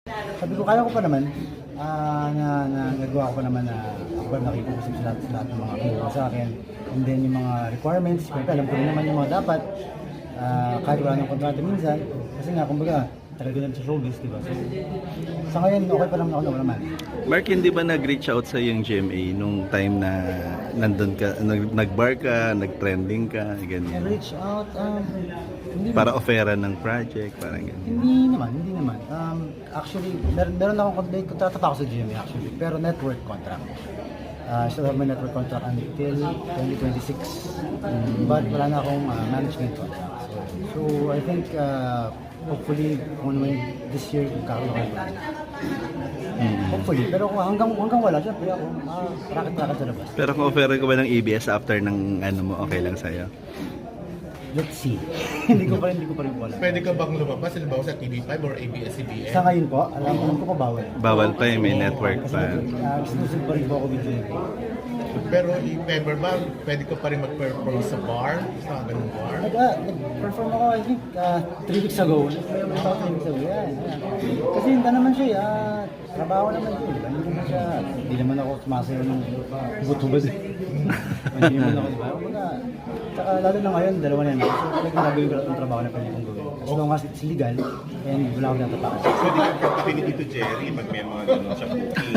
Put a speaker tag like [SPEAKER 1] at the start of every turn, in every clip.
[SPEAKER 1] Sabi ko, kaya ko pa naman, nagawa ko pa naman na ako ba nakikipag-usap sa lahat ng mga kumuha sa akin. And then yung mga requirements, syempre alam ko rin naman yung mga dapat, kahit wala ng kontrata minsan. Kasi nga, kumbaga, talaga lang sa showbiz, di ba? So, sa ngayon, okay pa naman ako naman.
[SPEAKER 2] Mark, hindi ba nag-reach out sa yung GMA nung time na nandun ka, nag-bar ka, nag-trending ka, ganyan?
[SPEAKER 1] Reach out, hindi
[SPEAKER 2] Para offeran ng project, parang ganyan.
[SPEAKER 1] Hindi naman. Actually, meron akong kontrata pa ako sa GMA actually, pero network contract. Still have my network contract until 2026. But wala na akong management contract. So I think, hopefully, kung ano this year, kakaroon ko. Hopefully, pero kung hanggang wala, syempre ako, racket sa labas.
[SPEAKER 2] Pero kung offeran ko ba ng ABS after ng ano mo, okay lang sa'yo?
[SPEAKER 1] Let's see. hindi ko pa rin po alam.
[SPEAKER 3] Pwede ka bang lumabas, halimbawa sa TV5 or ABS-CBN?
[SPEAKER 1] Sa ngayon po, alam ko pa bawal.
[SPEAKER 2] Bawal pa eh, may network
[SPEAKER 1] Kasi
[SPEAKER 2] pa.
[SPEAKER 1] exclusive pa rin po ako with GMA.
[SPEAKER 3] Pero if ever ba, pwede ka pa rin mag-perform sa bar? Sa ganung bar?
[SPEAKER 1] Nag-perform ako, I think, 3 weeks ago. Nag-perform ako 3 weeks ago. Yan. Kasi hindi naman siya, trabaho naman siya. Hindi naman ako sumasayaw ng hubot-hubot. Hindi naman ako, diba? Tsaka lalo na ngayon, dalawa na yan. So talagang gagawin ko lahat ng trabaho na pwede kong gawin. As long as it's legal, and wala akong natapakan.
[SPEAKER 4] Pwede ka katabi ni Tito Jerry pag may mga gano'n siya cooking.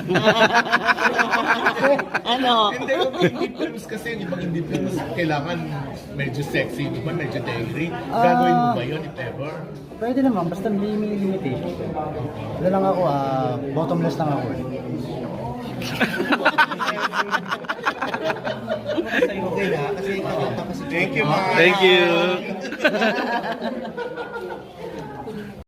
[SPEAKER 5] Ano?
[SPEAKER 3] Hindi, indie films kasi, yung ibang indie films, kailangan medyo sexy, diba? Medyo dangry. Gagawin mo ba yun, if ever?
[SPEAKER 1] Pwede naman, basta may limitation. Wala lang ako, bottomless lang ako.
[SPEAKER 4] Thank you, Mark.
[SPEAKER 2] Thank you!